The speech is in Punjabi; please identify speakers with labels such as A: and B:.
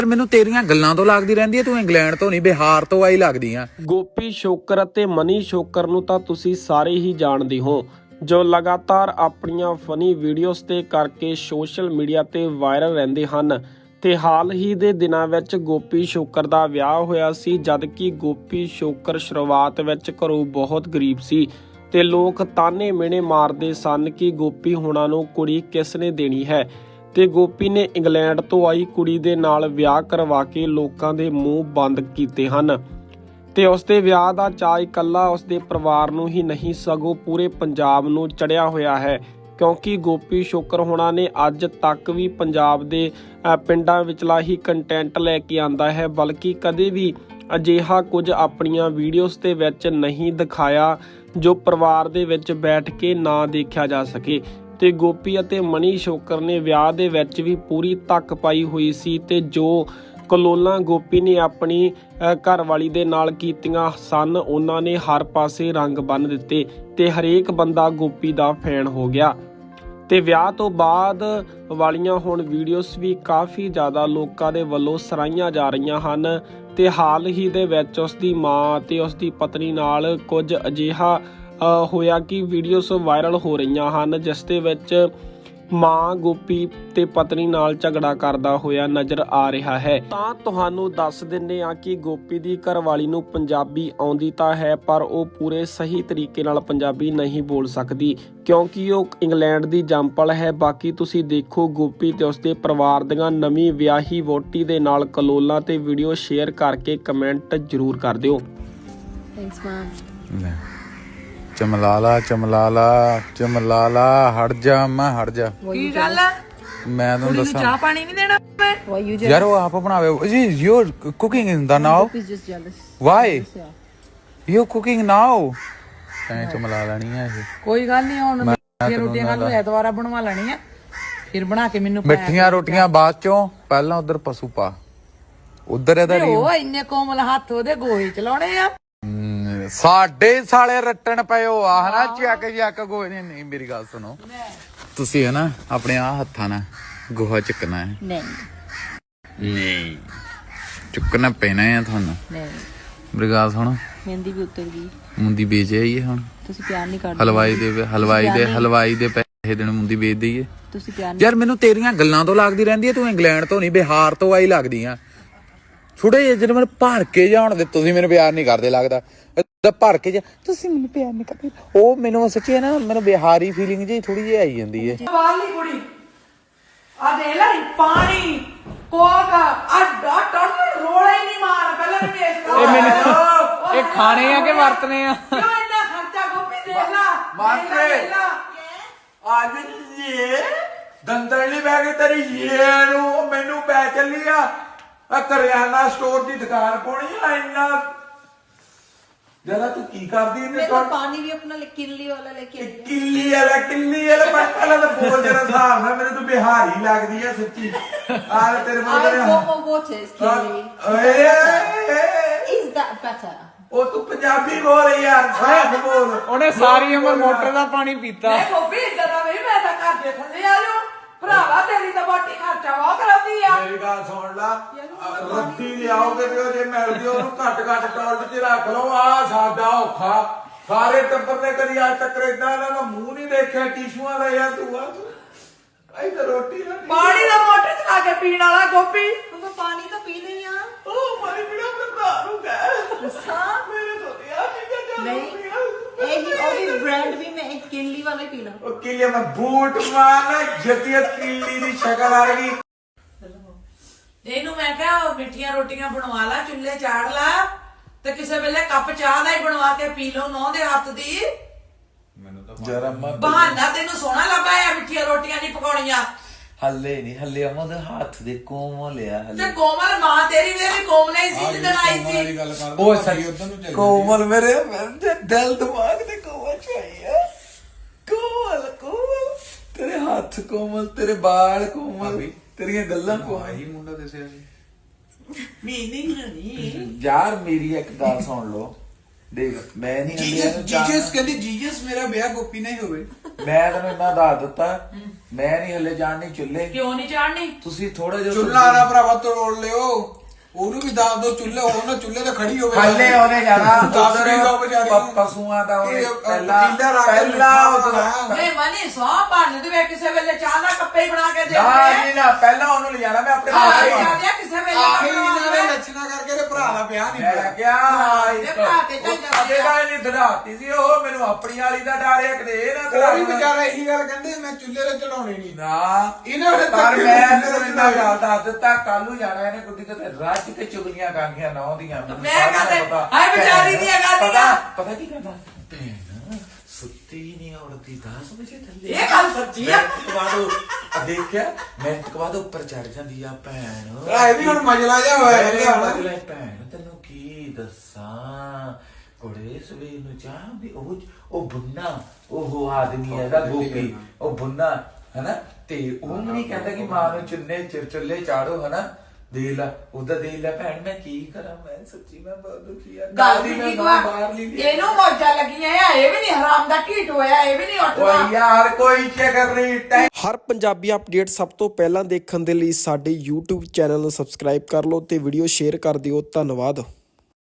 A: ਮੈਨੂੰ ਤੇਰੀਆਂ ਗੱਲਾਂ ਤੋਂ ਲੱਗਦੀ ਰਹਿੰਦੀ ਹੈ ਤੂੰ ਇੰਗਲੈਂਡ ਤੋਂ ਨਹੀਂ ਬਿਹਾਰ ਤੋਂ ਆਈ ਲੱਗਦੀ ਆ।
B: ਗੋਪੀ ਸ਼ੋਕਰ ਅਤੇ ਮਨੀ ਸ਼ੋਕਰ ਨੂੰ ਤਾਂ ਤੁਸੀਂ ਸਾਰੇ ਹੀ ਜਾਣਦੇ ਹੋ, ਜੋ ਲਗਾਤਾਰ ਆਪਣੀਆਂ ਫਨੀ ਵੀਡੀਓਜ਼ ਤੇ ਕਰਕੇ ਸੋਸ਼ਲ ਮੀਡੀਆ ਤੇ ਵਾਇਰਲ ਰਹਿੰਦੇ ਹਨ। ਤੇ ਹਾਲ ਹੀ ਦੇ ਦਿਨਾਂ ਵਿੱਚ ਗੋਪੀ ਸ਼ੋਕਰ ਦਾ ਵਿਆਹ ਹੋਇਆ ਸੀ, ਜਦ ਕਿ ਗੋਪੀ ਸ਼ੋਕਰ ਸ਼ੁਰੂਆਤ ਵਿੱਚ ਘਰੋਂ ਬਹੁਤ ਗਰੀਬ ਸੀ ਤੇ ਲੋਕ ਤਾਨੇ ਮਿਹਣੇ ਮਾਰਦੇ ਸਨ ਕਿ ਗੋਪੀ ਹੁਣਾਂ ਨੂੰ ਕੁੜੀ ਕਿਸ ਨੇ ਦੇਣੀ ਹੈ। ਤੇ ਗੋਪੀ ਨੇ ਇੰਗਲੈਂਡ ਤੋਂ ਆਈ ਕੁੜੀ ਦੇ ਨਾਲ ਵਿਆਹ ਕਰਵਾ ਕੇ ਲੋਕਾਂ ਦੇ ਮੂੰਹ ਬੰਦ ਕੀਤੇ ਹਨ। ਤੇ ਉਸਦੇ ਵਿਆਹ ਦਾ ਚਾਅ ਇਕੱਲਾ ਉਸਦੇ ਪਰਿਵਾਰ ਨੂੰ ਹੀ ਨਹੀਂ ਸਗੋਂ ਪੂਰੇ ਪੰਜਾਬ ਨੂੰ ਚੜਿਆ ਹੋਇਆ ਹੈ, ਕਿਉਂਕਿ ਗੋਪੀ ਸ਼ੋਕਰ ਹੋਣਾ ਨੇ ਅੱਜ ਤੱਕ ਵੀ ਪੰਜਾਬ ਦੇ ਪਿੰਡਾਂ ਵਿਚਲਾ ਹੀ ਕੰਟੈਂਟ ਲੈ ਕੇ ਆਂਦਾ ਹੈ, ਬਲਕਿ ਕਦੇ ਵੀ ਅਜਿਹਾ ਕੁਝ ਆਪਣੀਆਂ ਵੀਡੀਓਜ਼ ਦੇ ਵਿੱਚ ਨਹੀਂ ਦਿਖਾਇਆ ਜੋ ਪਰਿਵਾਰ ਦੇ ਵਿੱਚ ਬੈਠ ਕੇ ਨਾ ਦੇਖਿਆ ਜਾ ਸਕੇ। ਤੇ ਗੋਪੀ ਅਤੇ ਮਨੀ ਸ਼ੋਕਰ ਨੇ ਵਿਆਹ ਦੇ ਵਿੱਚ ਵੀ ਪੂਰੀ ਧੱਕ ਪਾਈ ਹੋਈ ਸੀ ਤੇ ਜੋ ਕਲੋਲਾਂ ਗੋਪੀ ਨੇ ਆਪਣੀ ਘਰਵਾਲੀ ਦੇ ਨਾਲ ਕੀਤੀਆਂ ਸਨ ਉਹਨਾਂ ਨੇ ਹਰ ਪਾਸੇ ਰੰਗ ਬੰਨ੍ਹ ਦਿੱਤੇ ਤੇ ਹਰੇਕ ਬੰਦਾ ਗੋਪੀ ਦਾ ਫੈਨ ਹੋ ਗਿਆ। ਤੇ ਵਿਆਹ ਤੋਂ ਬਾਅਦ ਵਾਲੀਆਂ ਹੁਣ ਵੀਡੀਓਜ਼ ਵੀ ਕਾਫੀ ਜ਼ਿਆਦਾ ਲੋਕਾਂ ਦੇ ਵੱਲੋਂ ਸਰਾਹੀਆਂ ਜਾ ਰਹੀਆਂ ਹਨ। ਤੇ ਹਾਲ ਹੀ ਦੇ ਵਿੱਚ ਉਸ ਦੀ ਮਾਂ ਤੇ ਉਸ ਦੀ ਪਤਨੀ ਨਾਲ ਕੁਝ ਅਜਿਹਾ ਹੋਇਆ ਕਿ ਵੀਡੀਓਜ਼ ਵਾਇਰਲ ਹੋ ਰਹੀਆਂ ਹਨ, ਜਿਸ ਦੇ ਵਿੱਚ ਮਾਂ ਗੋਪੀ ਤੇ ਪਤਨੀ ਨਾਲ ਝਗੜਾ ਕਰਦਾ ਹੋਇਆ ਨਜ਼ਰ ਆ ਰਿਹਾ ਹੈ। ਤਾਂ ਤੁਹਾਨੂੰ ਦੱਸ ਦਿੰਦੇ ਆ ਕਿ ਗੋਪੀ ਦੀ ਘਰਵਾਲੀ ਨੂੰ ਪੰਜਾਬੀ ਆਉਂਦੀ ਤਾਂ ਹੈ, ਪਰ ਉਹ ਪੂਰੇ ਸਹੀ ਤਰੀਕੇ ਨਾਲ ਪੰਜਾਬੀ ਨਹੀਂ ਬੋਲ ਸਕਦੀ, ਕਿਉਂਕਿ ਉਹ ਇੰਗਲੈਂਡ ਦੀ ਜੰਪਲ ਹੈ। ਬਾਕੀ ਤੁਸੀਂ ਦੇਖੋ ਗੋਪੀ ਤੇ ਉਸਦੇ ਪਰਿਵਾਰ ਦੀਆਂ ਨਵੀਂ ਵਿਆਹੀ ਵਹੁਟੀ ਦੇ ਨਾਲ ਕਲੋਲਾਂ ਤੇ ਵੀਡੀਓ ਸ਼ੇਅਰ ਕਰਕੇ ਕਮੈਂਟ ਜ਼ਰੂਰ ਕਰ ਦਿਓ।
C: Thanks ma'am.
A: ਚਮਲਾਲਾ ਚਮਲਾਲਾ ਚਮਲਾਲਾ ਹਟ ਜਾ ਮੈਂ ਹਟ ਜਾ।
D: ਕੀ ਗੱਲ ਆ?
A: ਮੈਂ ਤੁਹਾਨੂੰ ਦੱਸਾਂ
D: ਚਾਹ ਪਾਣੀ ਨਹੀਂ ਦੇਣਾ ਮੈਂ?
A: ਯਾਰ ਉਹ ਆਪ ਬਣਾਵੇ ਜੀ। You are cooking in the now. Why you cooking now? ਤੈਂ ਚਮਲਾ ਲੈਣੀ ਆ ਇਹ।
D: ਕੋਈ ਗੱਲ ਨਹੀਂ, ਹੁਣ ਮਿੱਠੀਆਂ ਰੋਟੀਆਂ ਕੱਲ ਨੂੰ ਐਤਵਾਰ ਬਣਵਾ ਲੈਣੀਆਂ, ਫਿਰ ਬਣਾ ਕੇ ਮੈਨੂੰ
A: ਮਿੱਠੀਆਂ ਰੋਟੀਆਂ ਬਾਅਦ ਚੋਂ, ਪਹਿਲਾਂ ਉਧਰ ਪਸ਼ੂ ਪਾ, ਉਧਰ ਇਹਦਾ
D: ਉਹ ਇੰਨੇ ਕੋਮਲ ਹੱਥ ਉਹਦੇ ਗੋਹੇ ਚਲਾਉਣੇ ਆ।
A: ਸਾਡੇ ਸਾਲੇ ਰੱਟਣ ਪਏ ਹੋ ਆ ਹਨਾ, ਚੱਕ ਚੱਕ ਗੋਹੇ ਨੇ। ਨਹੀਂ ਮੇਰੀ ਗੱਲ ਸੁਣੋ, ਤੁਸੀਂ ਹੈ ਨਾ ਆਪਣੇ ਆ ਹੱਥਾਂ ਨਾਲ ਗੋਹਾ ਚੱਕਣਾ ਹੈ। ਨਹੀਂ ਚੁੱਕਣਾ ਪੈਣਾ ਹੈ ਤੁਹਾਨੂੰ। ਮੇਰੀ ਗੱਲ ਸੁਣ,
C: ਮਹਿੰਦੀ ਵੀ ਉਤਰ ਗਈ,
A: ਮੁੰਦੀ ਵੇਚ ਆਈਏ ਹੁਣ।
C: ਤੁਸੀਂ ਪਿਆਰ ਨਹੀਂ ਕਰਦੇ।
A: ਹਲਵਾਈ ਦੇ ਪੈਸੇ ਦੇਣ ਮੁੰਦੀ ਵੇਚ ਦਈਏ।
C: ਤੁਸੀਂ ਪਿਆਰ
A: ਯਾਰ ਮੈਨੂੰ ਤੇਰੀਆਂ ਗੱਲਾਂ ਤੋਂ ਲੱਗਦੀ ਰਹਿੰਦੀ ਹੈ ਤੂੰ ਇੰਗਲੈਂਡ ਤੋਂ ਨਹੀਂ ਬਿਹਾਰ ਤੋਂ ਆਈ ਲੱਗਦੀ ਆ। ਥੋੜੇ ਜਿਹੇ ਮੈਨੂੰ ਭਰ ਕੇ ਜਾਣ ਦੇ, ਤੁਸੀਂ ਮੈਨੂੰ ਪਿਆਰ ਨਹੀਂ ਕਰਦੇ ਲੱਗਦਾ। ਭਰ ਕੇ ਜਾ, ਤੁਸੀਂ ਮੈਨੂੰ ਪਿਆਰ ਨਹੀਂ ਕਰਦੇ, ਉਹ ਮੈਨੂੰ ਸੱਚੀ ਨਾ ਮੈਨੂੰ ਬਿਹਾਰੀ ਫੀਲਿੰਗ ਜੀ ਥੋੜੀ ਜਿਹੀ ਆਈ ਜਾਂਦੀ ਹੈ।
D: ਵਾਲੀ ਕੁੜੀ ਆ ਦੇ ਲੈ ਪਾਣੀ ਕੋਕ ਆ ਟੋਟਲ ਰੋਲੇ ਹੀ ਨਹੀਂ ਮਾਰ ਪਹਿਲਾਂ ਨਹੀਂ ਵੇਖ
E: ਇਹ ਮੈਨੂੰ ਇਹ ਖਾਣੇ ਆ ਕਿ ਵਰਤਨੇ ਆ?
D: ਕਿਉਂ ਇੰਨਾ ਖਰਚਾ ਗੋਪੀ ਦੇਖ ਲਾ
A: ਮਾਤਰੇ ਅੱਜ ਇਹ ਦੰਦਲੀ ਬੈ ਗਈ ਤੇਰੀ ਇਹ ਨੂੰ ਮੈਨੂੰ ਪੈ ਚੱਲੀ ਆ ਕਰਿਆਨਾ ਸਟੋਰ ਦੀ ਦੁਕਾਨ ਪਾਉਣੀ ਆ। ਇੰਨਾ ਜਰਾ ਤੂੰ ਕੀ ਕਰਦੀ ਇਹਨੇ?
C: ਪਾਣੀ ਵੀ ਆਪਣਾ ਕਿੱਲੀ ਵਾਲਾ ਲੈ ਕੇ
A: ਕਿੱਲੀ ਵਾਲਾ ਪਹਿਲਾਂ ਤਾਂ ਬੋਲ ਜਰਾ ਹਿਸਾਬ ਨਾਲ। ਮੈਨੂੰ ਤੂੰ ਬਿਹਾਰੀ ਲੱਗਦੀ ਆ ਸੱਚੀ। ਆ ਤੇਰੇ ਉਹ ਤੂੰ ਪੰਜਾਬੀ ਬੋਲ ਯਾਰ, ਸਾਫ ਬੋਲ।
E: ਉਹਨੇ ਸਾਰੀ ਉਮਰ ਮੋਟਰ ਦਾ ਪਾਣੀ ਪੀਤਾ।
D: ਮੈਂ ਗੋਪੀ ਜਰਾ ਵੀ ਮੈਂ ਤਾਂ ਘਰ ਦੇ ਥੱਲੇ ਆ ਜਾਉ ਭਰਾਵਾ, ਤੇਰੀ ਤਾਂ ਬਾਟੀ ਖਰਚਾ ਵਾ ਕਰਾਉਂਦੀ ਆ।
A: ਮੇਰੀ ਗੱਲ ਸੁਣ ਲਾ, ਰੱਤੀ ਲਿਆਓਗੇ ਤੇ ਜੇ ਮਿਲਦੀ ਉਹਨੂੰ ਘੱਟ ਟੋਲਟ 'ਚ ਰੱਖ ਲਓ। ਆ ਸਾਡਾ ਔਖਾ, ਸਾਰੇ ਟੱਬਰ ਨੇ ਕਦੀ ਅੱਜ ਤੱਕ ਏਦਾਂ ਇਹਨਾਂ ਦਾ ਮੂੰਹ ਨਹੀਂ ਦੇਖਿਆ ਟਿਸ਼ੂਆਂ ਦਾ। ਯਾਰ ਤੂੰ ਆ ਇੱਧਰ ਰੋਟੀ
D: ਪਾਣੀ ਦਾ ਮੋਟਰ ਚਲਾ ਕੇ ਪੀਣ ਵਾਲਾ ਗੋਪੀ।
C: ਪਾਣੀ ਤਾਂ ਪੀ ਲਈ ਆ।
D: ਉਹ ਪਾਣੀ ਪੀਣਾ ਆਪਣੇ ਭਰਾ ਨੂੰ ਕਹਿ। ਮੇਰੇ ਤੋਂ ਯਾਰ
C: ਨਹੀਂ ਬ੍ਰਾਂਡ ਵੀ ਮੈਂ ਇੱਕ ਕਿੱਲੀ ਵਾਲਾ ਹੀ ਪੀਣਾ।
A: ਉਹ ਕਿੱਲੇ ਮੈਂ ਬੂਟ ਮਾਰਨਾ ਜਤੀਆ ਕਿੱਲੀ ਦੀ ਸ਼ਕਲ ਆ ਗਈ।
D: ਇਹਨੂੰ ਮੈਂ ਕਿਹਾ ਮਿੱਠੀਆਂ ਰੋਟੀਆਂ ਬਣਵਾ ਲਾ, ਚੁੱਲ੍ਹੇ ਚਾੜ ਲਾ ਤੇ ਕਿਸੇ ਵੇਲੇ ਕੱਪ ਚਾਹ ਦਾ ਹੀ ਬਣਵਾ ਕੇ ਪੀ ਲਓ ਨੌ ਦੇ ਹੱਥ ਦੀ।
A: ਜਰਾ
D: ਬਹਾਨਾ ਤੈਨੂੰ ਸੋਹਣਾ ਲੱਗਾ ਆ, ਮਿੱਠੀਆਂ ਰੋਟੀਆਂ ਨਹੀਂ ਪਕਾਉਣੀਆਂ।
A: ਹੱਲੇ ਨਹੀਂ ਹੱਲੇ ਅਮਾ ਦੇ ਹੱਥ ਦੇ ਕੋਮਲ ਆ।
D: ਤੇ ਕੋਮਲ ਮਾਂ ਤੇਰੀ ਵੀ ਕੋਮਲ ਹੀ ਸੀ ਜਦੋਂ ਆਈ ਸੀ।
A: ਉਹ ਸਹੀ ਉਧਰ ਨੂੰ ਚੱਲ ਕੋਮਲ ਮੇਰੇ ਦਿਲ ਦਿਮਾਗ ਤੇ ਕੋਮਲ ਚਾਹੀਏ। ਕੋਮਲ ਤੇਰੇ ਹੱਥ ਕੋਮਲ, ਤੇਰੇ ਬਾਲ ਕੋਮਲ, ਤੇਰੀਆਂ ਗੱਲਾਂ ਕੋਮਲ। ਹੀ ਮੁੰਡਾ ਦੱਸਿਆ ਸੀ
D: ਮੀਨਿੰਗ ਨਹੀਂ
A: ਯਾਰ। ਮੇਰੀ ਇੱਕ ਗੱਲ ਸੁਣ ਲਓ, ਦੇਖ ਮੈਂ ਨਹੀਂ
F: ਜੀਜਸ ਕਹਿੰਦੀ ਜੀਜਸ ਮੇਰਾ ਵਿਆਹ ਗੋਪੀ ਨਾਲ ਹੀ ਹੋਵੇ।
A: ਮੈਂ ਤੈਨੂੰ ਇੰਨਾ ਦੱਸ ਦਿੱਤਾ, ਮੈਂ ਨਹੀਂ ਹਲੇ ਜਾਣਨੀ ਚੁੱਲੇ।
D: ਕਿਉਂ ਨਹੀਂ ਚਾੜਨੀ?
A: ਤੁਸੀਂ ਥੋੜਾ ਜਿਹਾ
F: ਚੁੱਲ੍ਹਾ ਨਾ ਭਰਾਵਾ ਤੋੜ ਲਿਓ, ਉਹਨੂੰ ਵੀ ਦੱਸ ਦੋ ਚੁੱਲ੍ਹੇ ਹੋਣ ਨਾ, ਚੁੱਲ੍ਹੇ ਤੇ ਖੜੀ ਹੋਵੇ।
A: ਹਲੇ ਉਹਨੇ ਜਾਣਾ
F: ਦੱਸ ਵੀ ਦੋ ਵਿਚਾਰੀ ਨੂੰ।
A: ਪਸ਼ੂਆਂ ਦਾ ਉਹਨੇ
F: ਪਤੀਲਾ ਰੱਖ ਕੇ ਮਿੱਠਾ
D: ਨਹੀਂ ਮਨੀ ਸੌ ਭੰਨ ਦੇਵੇ ਕਿਸੇ ਵੇਲੇ ਚਾਹ ਦਾ ਕੱਪੇ ਹੀ ਬਣਾ ਕੇ ਦੇ
A: ਨਾ ਜੀ ਨਾ, ਪਹਿਲਾਂ ਉਹਨੂੰ ਲਿਜਾਣਾ ਮੈਂ ਆਪਣੇ
D: ਆਹੀ
A: ਨਾਲ
D: ਜਾਂਦੇ ਕਿਸੇ ਵੇਲੇ
F: ਆਹੀ
D: ਬਣਵਾ
F: ਇਹਨਾਂ
D: ਦੇਵੇ।
F: ਨੇ ਲੱਛਣਾ ਕਰਕੇ ਤੇ ਭਰਾ ਦਾ ਵਿਆਹ ਨਹੀਂ
A: ਮੈਂ
F: ਹੋਇਆ।
A: ਕਿਹਾ
D: ਇਹ ਭਰਾ ਤੇ ਚੱਲ ਜਾਂਦੇ
A: ਅਦੇ ਦਾ ਨਹੀਂ ਧੜਾਤੀ ਸੀ ਉਹ, ਮੈਨੂੰ ਆਪਣੀ ਵਾਲੀ ਦਾ ਡਰ ਹੈ ਕਿਤੇ ਇਹ ਨਾ
F: ਉਹ ਵੀ
A: ਧੜਾ
F: ਵਿਚਾਰਾ ਇਹੀ ਗੱਲ ਕਹਿੰਦੇ ਮੈਂ ਚੁੱਲ੍ਹੇ ਤੇ ਚੜਾਉਣੇ ਨਹੀਂ।
A: ਨਾ
F: ਇਹਨਾਂ ਨੇ
A: ਪਰ ਮੈਂ ਤੈਨੂੰ ਇੰਨਾ ਗੱਲ ਦੱਸ ਦਿੱਤਾ, ਕੱਲ ਨੂੰ ਜਾਣਾ ਇਹਨੇ ਗੁੱਡੀ ਤੇ ਰੱਜ ਕੇ ਚੁਗਲੀਆਂ ਕਰਨੀਆਂ ਨਾ ਉਹਦੀਆਂ।
D: ਮੈਂ ਕਹਿੰਦਾ, ਹਾਏ ਵਿਚਾਰੀ ਦੀਆਂ ਗਾਲੀਆਂ।
A: ਪਤਾ ਕੀ ਕਹਿੰਦਾ, ਭੈਣ ਸੁੱਤੀ ਨਹੀਂ ਔਰਤੀ 10 ਵਜੇ ਥੱਲੇ।
D: ਇਹ ਗੱਲ ਸੱਚੀ ਆ।
A: ਦੇਖਿਆ ਮਿੰਟ ਕੁ ਬਾਅਦ ਉੱਪਰ ਚੜ ਜਾਂਦੀ ਆ ਭੈਣ।
F: ਇਹ ਵੀ ਹੁਣ ਮਜਲਾ ਜਿਹਾ ਹੋਇਆ ਕਹਿੰਦੇ ਹੁਣ।
A: ਅਗਲੇ ਭੈਣ ਤੈਨੂੰ ਕੀ ਦੱਸਾਂ ਕੁੜੇ ਸਵੇਰ ਨੂੰ ਚਾਹ ਵੀ ਉਹ ਬੁੰਨਾ ਉਹ ਆਦਮੀ ਹੈਗਾ ਗੋਪੀ, ਉਹ ਬੁੰਨਾ ਹਨਾ, ਤੇ ਉਹ ਨਹੀਂ ਕਹਿੰਦਾ ਕਿ ਮਾਂ ਨੂੰ ਚੁੱਲੇ ਚਾੜੋ ਹਨਾ। ਦੇ ਲਾ ਉਹਦਾ ਦੇ ਲਾ ਭੈਣ, ਮੈਂ ਕੀ ਕਰਾਂ, ਮੈਂ ਸੱਚੀ ਮੈਂ ਬਹੁਤ ਦੁਖੀ ਆ।
D: ਗੱਲ ਵੀ ਠੀਕ ਵਾ, ਇਹਨੂੰ ਮੌਜਾਂ ਲੱਗੀਆਂ ਆ, ਇਹ ਵੀ ਨਹੀਂ ਹਰਾਮ ਦਾ ਢੀਟ ਹੋਇਆ, ਇਹ ਵੀ ਨਹੀਂ ਉੱਠਦਾ।
A: ਓਏ ਯਾਰ ਕੋਈ ਚੱਕਰ ਨਹੀਂ।
B: ਹਰ ਪੰਜਾਬੀ ਅਪਡੇਟ ਸਭ ਤੋਂ ਪਹਿਲਾਂ ਦੇਖਣ ਦੇ ਲਈ ਸਾਡੇ YouTube ਚੈਨਲ ਨੂੰ ਸਬਸਕ੍ਰਾਈਬ ਕਰ ਲਓ ਤੇ ਵੀਡੀਓ ਸ਼ੇਅਰ ਕਰ ਦਿਓ। ਧੰਨਵਾਦ।